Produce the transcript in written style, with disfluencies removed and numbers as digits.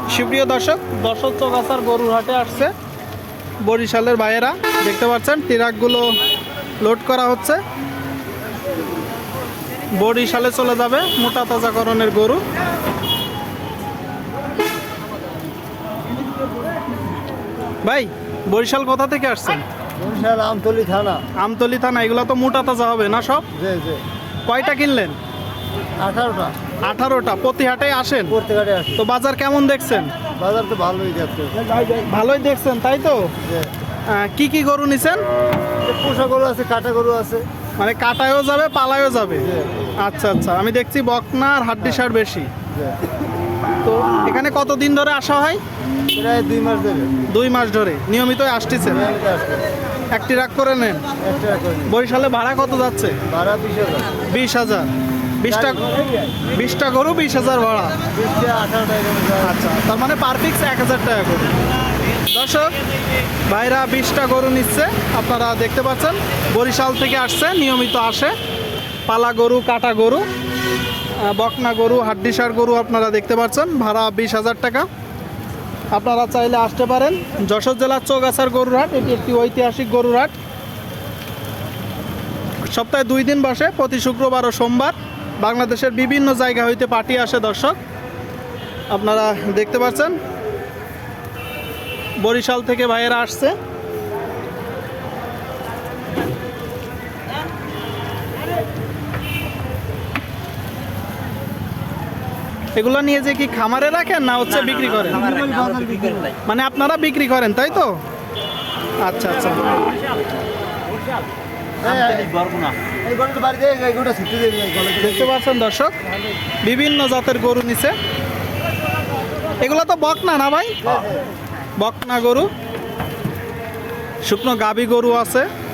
সুপ্রিয় দর্শক, দর্শক চৌগাছার গরুর হাটে আসছে বরিশালের ভাইয়েরা। দেখতে পাচ্ছেন ট্রাকগুলো লোড করা হচ্ছে, বরিশালে চলে যাবে মোটা তাজাকরণের গরু। ভাই, বরিশাল কোথা থেকে আসছেন? বরিশাল আমতলী থানা। আমতলী থানা। এগুলো তো মোটা তাজা হবে না সব? জি জি। কয়টা কিনলেন? 18টা। 18টা। প্রতি হাটে আসেন? প্রত্যেক হাটে আসি। তো বাজার কেমন দেখছেন? বাজার তো ভালোই যাচ্ছে। ভালোই দেখছেন, তাই তো? কি কি গরু নিছেন? পোষা গরু আছে, কাটা গরু আছে। মানে কাটায়ও যাবে, পালায়ও যাবে? জি। আচ্ছা আচ্ছা, আমি দেখছি বকনা আর হাড্ডিসার বেশি। জি। তো এখানে কতদিন ধরে আসা হয়? প্রায় 2 মাস ধরে। 2 মাস ধরে নিয়মিত আসতেছেন? নিয়মিত আসছে। একটি রাগ করে নেন। একটা করে নিই। বরিশালে ভাড়া কত যাচ্ছে? ভাড়া 20,000। 20,000। 20টা গরু 20,000 ভাড়া। 20টা 18 টাকা করে যায়। আচ্ছা, তার মানে পার পিক্স 1,000 টাকা করে। দর্শক ভাইরা 20টা গরু নিচ্ছে, আপনারা দেখতে পাচ্ছেন। বরিশাল থেকে আসছে, নিয়মিত আসে। পালা গরু, কাটা গরু, বকনা গরু, হাড্ডিসার গরু আপনারা দেখতে পাচ্ছেন। ভাড়া 20,000 টাকা। আপনারা চাইলে আসতে পারেন। যশোর জেলার চৌগাছার গরুর হাট, এটি একটি ঐতিহাসিক গরুর হাট। সপ্তাহে 2 দিন বসে, প্রতি শুক্রবার ও সোমবার। বাংলাদেশের বিভিন্ন জায়গা হইতে পার্টি আসে দর্শক, আপনারা দেখতে পাচ্ছেন। বরিশাল থেকে ভাইয়েরা আসছে। এগুলো নিয়ে যে কি খামারে রাখেন না হচ্ছে বিক্রি করেন? মানে আপনারা বিক্রি করেন, তাই তো? আচ্ছা আচ্ছা। এই গরুটা বাড়িতে এই গরুটা ছুটি দিয়ে দিই গলাতে। দেখতে পাচ্ছেন দর্শক, বিভিন্ন জাতের গরু নিছে। এগুলো তো বকনা না ভাই? বকনা গরু, শুকনো গাভী গরু আছে।